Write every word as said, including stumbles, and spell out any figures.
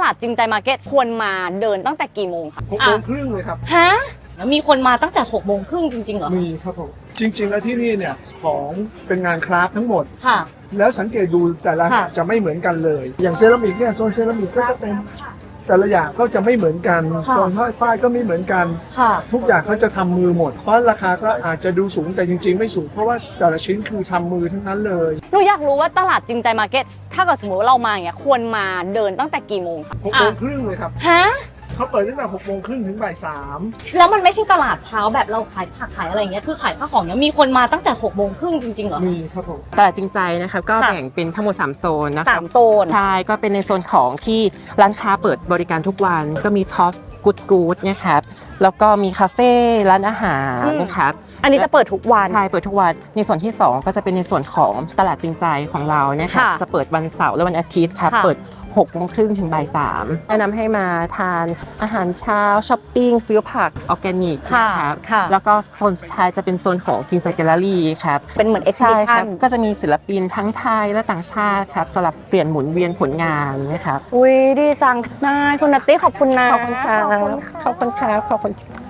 าดจริงใจมาร์เก็ตควรมาเดินตั้งแต่กี่โมงคะหกโมงครึ่งเลยครับฮะแล้วมีคนมาตั้งแต่หกโมงครึ่งจริงๆเหรอมีครับผมจริงๆแล้วที่นี่เนี่ยของเป็นงานคราฟทั้งหมดค่ะแล้วสังเกตดูแต่ละจะไม่เหมือนกันเลยอย่างเซรามิกเนี่ยโซนเซรามิกก็จะเป็นแต่ละอย่างก็จะไม่เหมือนกันโซนฝ้ายก็ไม่เหมือนกันทุกอย่างเขาจะทำมือหมดเพราะราคาก็อาจจะดูสูงแต่จริงๆไม่สูงเพราะว่าแต่ละชิ้นคือทำมือทั้งนั้นเลยหนูอยากรู้ว่าตลาดจริงใจมาร์เก็ตถ้าเกิดสมมติว่าเรามาอย่างเงี้ยควรมาเดินตั้งแต่กี่โมงคะหกโมงครึ่งเลยครับฮะเขาเปิดตั้งแต่หกโมงครึ่งถึงบ่ายสามแล้วมันไม่ใช่ตลาดเช้าแบบเราขายผักขายอะไรเงี้ยคือขายข้าวของเนี้ยมีคนมาตั้งแต่หกโมงครึ่งจริงๆเหรอมีครับผมตลาดจริงใจนะครับก็แบ่งเป็นทั้งหมดสามโซนนะคะสามโซนใช่ก็เป็นในโซนของที่ร้านค้าเปิดบริการทุกวันก็มีท็อปกู๊ดกู๊ดนะครับแล้วก็มีคาเฟ่ร้านอาหารนะครับอันนี้จะเปิดทุกวันใช่เปิดทุกวันในส่วนที่สองก็จะเป็นในส่วนของตลาดจริงใจของเราเนี่ยค่ะจะเปิดวันเสาร์และวันอาทิตย์ครับเปิดหกโมงครึ่งถึงบ่ายสามแนะนำให้มาทานอาหารเช้าช้อปปิ้งซื้อผักออร์แกนิกครับแล้วก็โซนสุดท้ายจะเป็นโซนของจริงใจแกลเลอรี่ครับเป็นเหมือนเอ็กซิบิชันก็จะมีศิลปินทั้งไทยและต่างชาติครับสลับเปลี่ยนหมุนเวียนผลงานนะครับอุ้ยดีจังนายคุณนัตตี้ขอบคุณนะขอบคุณค่ะขอบคุณค่ะขอบคุณ